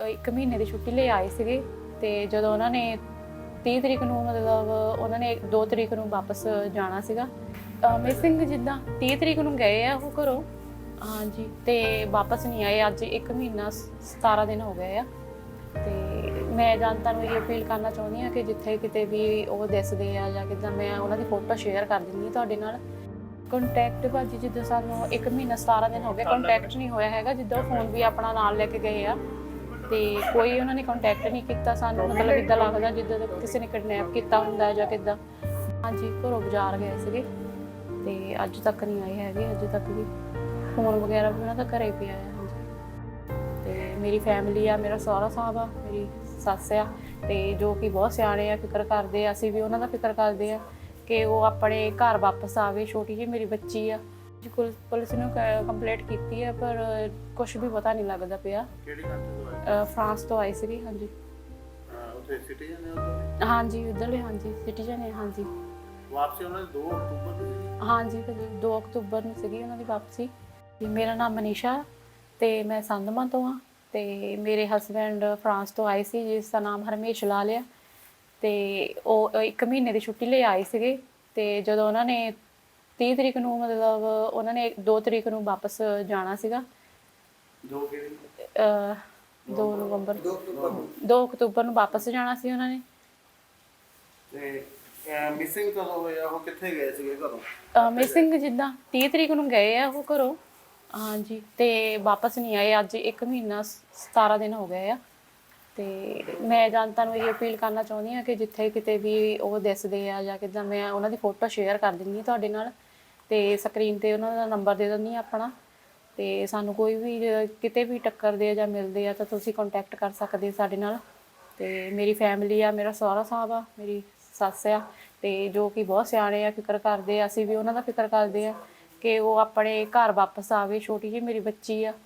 1 ਮਹੀਨੇ ਦੀ ਛੁੱਟੀ ਲਈ ਆਏ ਸੀਗੇ ਤੇ ਜਦੋਂ ਉਹਨਾਂ ਨੇ 30 ਤਰੀਕ ਨੂੰ ਮਤਲਬ ਉਹਨਾਂ ਨੇ 2 ਤਰੀਕ ਨੂੰ ਵਾਪਸ ਜਾਣਾ ਸੀਗਾ। ਮਿਸਿੰਗ ਜਿੱਦਾਂ 30 ਤਰੀਕ ਨੂੰ ਗਏ ਆ ਉਹ ਘਰੋਂ, ਹਾਂਜੀ, ਤੇ ਵਾਪਸ ਨਹੀਂ ਆਏ। ਅੱਜ 1 ਮਹੀਨਾ 17 ਦਿਨ ਹੋ ਗਏ ਆ। ਤੇ ਮੈਂ ਜਨਤਾ ਨੂੰ ਇਹ ਅਪੀਲ ਕਰਨਾ ਚਾਹੁੰਦੀ ਹਾਂ ਕਿ ਜਿੱਥੇ ਕਿਤੇ ਵੀ ਉਹ ਦਿਸਦੇ ਆ ਜਾਂ ਕਿੱਦਾਂ, ਮੈਂ ਉਹਨਾਂ ਦੀ ਫੋਟੋ ਸ਼ੇਅਰ ਕਰ ਦਿੰਦੀ ਹਾਂ ਤੁਹਾਡੇ ਨਾਲ। ਕੰਟੈਕਟ ਭਾਜੀ ਜਿੱਦਾਂ ਸਾਨੂੰ 1 ਮਹੀਨਾ 17 ਦਿਨ ਹੋ ਗਏ ਕੰਟੈਕਟ ਨਹੀਂ ਹੋਇਆ ਹੈਗਾ। ਜਿੱਦਾਂ ਫੋਨ ਵੀ ਆਪਣਾ ਨਾਲ ਲੈ ਕੇ ਗਏ ਆ ਤੇ ਕੋਈ ਉਹਨਾਂ ਨੇ ਕੰਟੈਕਟ ਨਹੀਂ ਕੀਤਾ ਸਾਨੂੰ। ਮਤਲਬ ਇੱਦਾਂ ਲੱਗਦਾ ਜਿੱਦਾਂ ਕਿਸੇ ਨੇ ਕਿਡਨੈਪ ਕੀਤਾ ਹੁੰਦਾ ਜਾਂ ਕਿੱਦਾਂ। ਹਾਂਜੀ, ਘਰੋਂ ਬਾਜ਼ਾਰ ਗਏ ਸੀਗੇ ਤੇ ਅੱਜ ਤੱਕ ਨਹੀਂ ਆਏ ਹੈਗੇ। ਅੱਜ ਤੱਕ ਵੀ ਫੋਨ ਵਗੈਰਾ ਵੀ ਉਹਨਾਂ ਦਾ ਘਰੇ ਪਿਆ ਆ। ਹਾਂਜੀ, ਤੇ ਮੇਰੀ ਫੈਮਿਲੀ ਆ, ਮੇਰਾ ਸਹੁਰਾ ਸਾਹਿਬ ਆ, ਮੇਰੀ ਸੱਸ ਆ, ਤੇ ਜੋ ਕਿ ਬਹੁਤ ਸਿਆਣੇ ਆ, ਫਿਕਰ ਕਰਦੇ ਆ। ਅਸੀਂ ਵੀ ਉਹਨਾਂ ਦਾ ਫਿਕਰ ਕਰਦੇ ਆ ਕਿ ਉਹ ਆਪਣੇ ਘਰ ਵਾਪਸ ਆਵੇ। ਛੋਟੀ ਜਿਹੀ ਮੇਰੀ ਬੱਚੀ ਆ। ਪੁਲਿਸ ਨੂੰ ਕੰਪਲੇਂਟ ਕੀਤੀ ਹੈ ਪਰ ਕੁਝ ਵੀ ਪਤਾ ਨਹੀਂ ਲੱਗਦਾ ਪਿਆ। ਕਿਹੜੀ ਕੰਟਰੀ ਤੋਂ ਆਏ? ਫਰਾਂਸ ਤੋਂ ਆਏ ਸੀਗੇ। ਹਾਂਜੀ, ਉੱਥੇ ਸਿਟੀਜ਼ਨ ਨੇ ਉੱਧਰ? ਹਾਂਜੀ, ਉੱਧਰਲੇ, ਹਾਂਜੀ, ਸਿਟੀਜ਼ਨ ਹੈ। ਹਾਂਜੀ, ਵਾਪਸੀ ਉਹਨਾਂ ਦੀ 2 ਅਕਤੂਬਰ ਨੂੰ ਸੀ? ਹਾਂਜੀ ਭਾਜੀ, 2 ਅਕਤੂਬਰ ਨੂੰ ਸੀਗੀ ਉਹਨਾਂ ਦੀ ਵਾਪਸੀ। ਮੇਰਾ ਨਾਮ ਮਨੀਸ਼ਾ ਤੇ ਮੈਂ ਸੰਧਮਾ ਤੋਂ ਆ ਤੇ ਮੇਰੇ ਹਸਬੈਂਡ ਫਰਾਂਸ ਤੋਂ ਆਏ ਸੀ ਜਿਸ ਦਾ ਨਾਮ ਹਰਮੇਸ਼ ਲਾਲ ਆ। ਤੇ ਉਹ 1 ਮਹੀਨੇ ਦੀ ਛੁੱਟੀ ਲਈ ਆਏ ਸੀਗੇ ਤੇ ਜਦੋਂ ਉਹਨਾਂ ਨੇ 30 ਤਰੀਕ ਨੂੰ ਮਤਲਬ ਉਹਨਾਂ ਨੇ 2 ਤਰੀਕ ਨੂੰ ਵਾਪਸ ਜਾਣਾ ਸੀਗਾ। 2 ਕਿਹੜੀ? 2 ਨਵੰਬਰ 2 ਅਕਤੂਬਰ ਨੂੰ ਵਾਪਸ ਜਾਣਾ ਸੀ ਉਹਨਾਂ ਨੇ। ਤੇ ਮਿਸਿੰਗ ਕਦੋਂ ਹੋਇਆ? ਉਹ ਕਿੱਥੇ ਗਏ ਸੀਗੇ ਘਰੋਂ? ਮਿਸਿੰਗ ਜਿੱਦਾਂ 30 ਤਰੀਕ ਨੂੰ ਗਏ ਆ ਉਹ ਘਰੋਂ, ਹਾਂਜੀ, ਤੇ ਵਾਪਸ ਨਹੀਂ ਆਏ। ਅੱਜ 1 ਮਹੀਨਾ 17 ਦਿਨ ਹੋ ਗਏ ਆ। ਤੇ ਮੈਂ ਜਨਤਾ ਨੂੰ ਇਹ ਅਪੀਲ ਕਰਨਾ ਚਾਹੁੰਦੀ ਹਾਂ ਕਿ ਜਿੱਥੇ ਕਿਤੇ ਵੀ ਉਹ ਦਿਸਦੇ ਆ ਜਾਂ ਕਿੱਦਾਂ, ਮੈਂ ਉਹਨਾਂ ਦੀ ਫੋਟੋ ਸ਼ੇਅਰ ਕਰ ਦਿੰਦੀ ਹਾਂ ਤੁਹਾਡੇ ਨਾਲ ਤੇ ਸਕਰੀਨ ਤੇ ਉਹਨਾਂ ਦਾ ਨੰਬਰ ਦੇ ਦਿੰਦੀ ਹਾਂ ਆਪਣਾ। ਤੇ ਸਾਨੂੰ ਕੋਈ ਵੀ ਕਿਤੇ ਵੀ ਟੱਕਰਦੇ ਆ ਜਾਂ ਮਿਲਦੇ ਆ ਤਾਂ ਤੁਸੀਂ ਕੰਟੈਕਟ ਕਰ ਸਕਦੇ ਸਾਡੇ ਨਾਲ। ਤੇ ਮੇਰੀ ਫੈਮਿਲੀ ਆ, ਮੇਰਾ ਸਹੁਰਾ ਸਾਹਿਬ ਆ, ਮੇਰੀ ਸੱਸ ਆ, ਤੇ ਜੋ ਕਿ ਬਹੁਤ ਸਿਆਣੇ ਆ, ਫਿਕਰ ਕਰਦੇ ਆ। ਅਸੀਂ ਵੀ ਉਹਨਾਂ ਦਾ ਫਿਕਰ ਕਰਦੇ ਆ ਕਿ ਉਹ ਆਪਣੇ ਘਰ ਵਾਪਸ ਆਵੇ। ਛੋਟੀ ਜਿਹੀ ਮੇਰੀ ਬੱਚੀ ਆ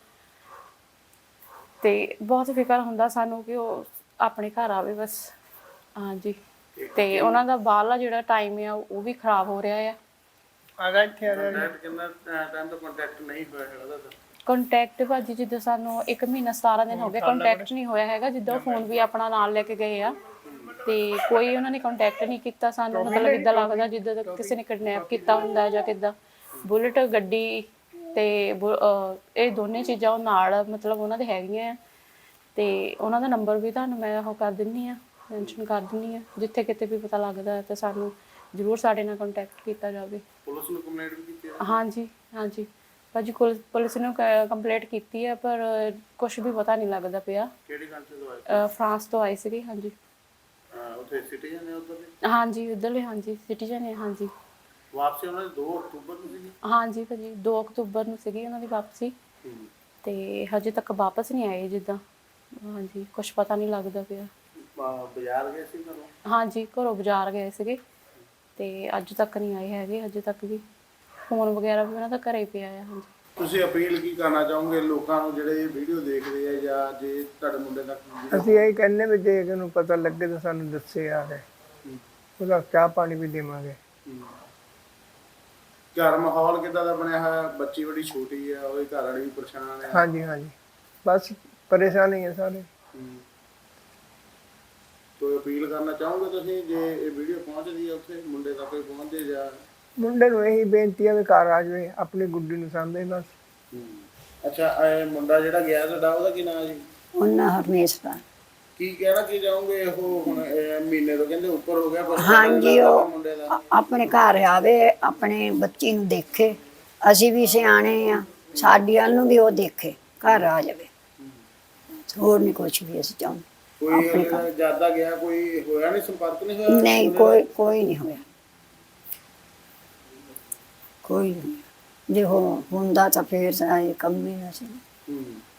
ਤੇ ਬਹੁਤ ਫਿਕਰ ਹੁੰਦਾ ਸਾਨੂੰ ਕਿ ਉਹ ਆਪਣੇ ਘਰ ਆਵੇ ਬਸ। ਹਾਂਜੀ, ਤੇ ਉਹਨਾਂ ਦਾ ਬਾਹਰਲਾ ਜਿਹੜਾ ਟਾਈਮ ਆ ਉਹ ਵੀ ਖਰਾਬ ਹੋ ਰਿਹਾ ਆ। ਕਿੰਨਾ ਟਾਈਮ ਤੋਂ ਕੰਟੈਕਟ ਨਹੀਂ ਹੋਇਆ ਹੈਗਾ ਉਹਦਾ? ਕੰਟੈਕਟ ਭਾਜੀ ਜਿੱਦਾਂ ਸਾਨੂੰ 1 ਮਹੀਨਾ 17 ਦਿਨ ਹੋ ਗਏ ਕੰਟੈਕਟ ਨਹੀਂ ਹੋਇਆ ਹੈਗਾ। ਜਿੱਦਾਂ ਫੋਨ ਵੀ ਆਪਣਾ ਨਾਲ ਲੈ ਕੇ ਗਏ ਆ ਤੇ ਕੋਈ ਉਹਨਾਂ ਨੇ ਕੰਟੈਕਟ ਨਹੀਂ ਕੀਤਾ ਸਾਨੂੰ। ਮਤਲਬ ਇੱਦਾਂ ਲੱਗਦਾ ਜਿੱਦਾਂ ਕਿਸੇ ਨੇ ਕਿਡਨੈਪ ਕੀਤਾ ਹੁੰਦਾ ਜਾਂ ਕਿੱਦਾਂ। ਬੁਲਟ ਗੱਡੀ ਤੇ ਇਹ ਦੋਨੇ ਚੀਜ਼ਾਂ ਉਹ ਨਾਲ ਮਤਲਬ ਉਹਨਾਂ ਦੇ ਹੈਗੀਆਂ ਆ। ਤੇ ਉਹਨਾਂ ਦਾ ਨੰਬਰ ਵੀ ਤੁਹਾਨੂੰ ਮੈਂ ਉਹ ਕਰ ਦਿੰਦੀ ਹਾਂ, ਮੈਂਸ਼ਨ ਕਰ ਦਿੰਦੀ ਹਾਂ। ਜਿੱਥੇ ਕਿਤੇ ਵੀ ਪਤਾ ਲੱਗਦਾ ਤਾਂ ਸਾਨੂੰ ਜ਼ਰੂਰ ਸਾਡੇ ਨਾਲ ਕੰਟੈਕਟ ਕੀਤਾ ਜਾਵੇ। ਪੁਲਿਸ ਨੂੰ ਕੰਪਲੇਂਟ ਵੀ ਕੀਤੀ ਹੈ? ਹਾਂਜੀ, ਹਾਂਜੀ ਭਾਜੀ, ਪੁਲਿਸ ਨੂੰ ਕੰਪਲੇਂਟ ਕੀਤੀ ਹੈ ਪਰ ਕੁਝ ਵੀ ਪਤਾ ਨਹੀਂ ਲੱਗਦਾ ਪਿਆ। ਕਿਹੜੀ ਕੰਟਰੀ ਤੋਂ ਆਏ? ਫਰਾਂਸ ਤੋਂ ਆਏ ਸੀਗੇ। ਹਾਂਜੀ, ਉੱਥੇ ਸਿਟੀਜ਼ਨ ਨੇ ਉੱਧਰ ਦੇ? ਹਾਂਜੀ, ਉੱਧਰਲੇ, ਹਾਂਜੀ, ਸਿਟੀਜ਼ਨ ਹੈ। ਹਾਂਜੀ, ਵਾਪਸੀ ਉਹਨਾਂ ਦੀ 2 ਅਕਤੂਬਰ ਨੂੰ ਸੀ? ਹਾਂਜੀ ਭਾਜੀ, 2 ਅਕਤੂਬਰ ਨੂੰ ਸੀਗੀ ਉਹਨਾਂ ਦੀ ਵਾਪਸੀ ਤੇ ਹਜੇ ਤੱਕ ਵਾਪਸ ਨਹੀਂ ਆਏ ਜਿੱਦਾਂ। ਹਾਂਜੀ, ਕੁਝ ਪਤਾ ਨਹੀਂ ਲੱਗਦਾ ਪਿਆ। ਬਾਜ਼ਾਰ ਗਏ ਸੀ ਘਰੋਂ? ਹਾਂਜੀ, ਘਰੋਂ ਬਾਜ਼ਾਰ ਗਏ ਸੀਗੇ ਤੇ ਅੱਜ ਤੱਕ ਨਹੀਂ ਆਏ ਹੈਗੇ। ਅਜੇ ਤੱਕ ਵੀ ਫੋਨ ਵਗੈਰਾ ਵੀ ਉਹਨਾਂ ਦਾ ਘਰੇ ਪਿਆ ਆ। ਹਾਂਜੀ, ਤੁਸੀਂ ਅਪੀਲ ਕੀ ਕਰਨਾ ਚਾਹੋਗੇ ਲੋਕਾਂ ਨੂੰ ਜਿਹੜੇ ਇਹ ਵੀਡੀਓ ਦੇਖਦੇ ਆ ਜਾਂ ਜੇ ਤੁਹਾਡੇ ਮੁੰਡੇ ਦਾ? ਅਸੀਂ ਇਹ ਕਹਿੰਦੇ ਵੀ ਜੇ ਇਹਨੂੰ ਪਤਾ ਲੱਗੇ ਤਾਂ ਸਾਨੂੰ ਦੱਸੇ ਆ ਕੇ ਉਹਦਾ ਚਾਹ ਪਾਣੀ ਵੀ ਦੇਵਾਂਗੇ। ਘਰ ਮਾਹੌਲ ਕਿੱਦਾਂ ਦਾ ਬਣਿਆ ਹੋਇਆ? ਬੱਚੀ ਬੜੀ ਛੋਟੀ ਆ, ਉਹਦੇ ਘਰ ਵਾਲੀ ਵੀ ਪਰੇਸ਼ਾਨ ਹੈ। ਹਾਂਜੀ, ਹਾਂਜੀ, ਬਸ ਪਰੇਸ਼ਾਨੀ ਹੈ ਸਾਰੇ। ਕੋਈ ਅਪੀਲ ਕਰਨਾ ਚਾਹੋਗੇ ਤੁਸੀਂ ਜੇ ਇਹ ਵੀਡੀਓ ਪਹੁੰਚਦੀ ਹੈ ਉੱਥੇ ਮੁੰਡੇ ਤੱਕ ਪਹੁੰਚੇ ਜਾਂ? ਮੁੰਡੇ ਨੂੰ ਇਹੀ ਬੇਨਤੀ ਹੈ ਵੀ ਘਰ ਆ ਜਾਵੇ, ਆਪਣੀ ਗੁੱਡੀ ਨੂੰ ਸਾਂਭੇ ਬਸ। ਅੱਛਾ, ਇਹ ਮੁੰਡਾ ਜਿਹੜਾ ਗਿਆ ਤੁਹਾਡਾ ਉਹਦਾ ਕੀ ਨਾਮ ਜੀ? ਉਹਨਾਂ ਹਰਮੇਸ਼ ਦਾ। ਕੀ ਕਹਿਣਾ ਕੀ ਚਾਹੋਗੇ? ਉਹ ਹੁਣ ਮਹੀਨੇ ਤੋਂ ਕਹਿੰਦੇ ਉੱਪਰ ਹੋ ਗਿਆ। ਹਾਂਜੀ, ਉਹ ਮੁੰਡੇ ਦਾ ਆਪਣੇ ਘਰ ਆਵੇ, ਆਪਣੇ ਬੱਚੀ ਨੂੰ ਦੇਖੇ। ਅਸੀਂ ਵੀ ਸਿਆਣੇ ਆ, ਸਾਡੀ ਵੱਲ ਨੂੰ ਵੀ ਉਹ ਦੇਖੇ, ਘਰ ਆ ਜਾਵੇ। ਹੋਰ ਨਹੀਂ ਕੁਛ ਵੀ ਅਸੀਂ ਚਾਹੁੰਦੇ। ਕੋਈ ਜਿਆਦਾ ਗਿਆ ਕੋਈ ਹੋਇਆ ਨਹੀਂ? ਸੰਪਰਕ ਨਹੀਂ ਹੋਇਆ? ਨਹੀਂ, ਕੋਈ ਨਹੀਂ ਹੋਇਆ, ਕੋਈ ਨਹੀਂ। ਜੇ ਹੁੰਦਾ ਤਾਂ ਫੇਰ ਇਹ ਕੰਮ ਹੀ ਨਾ ਸੀ।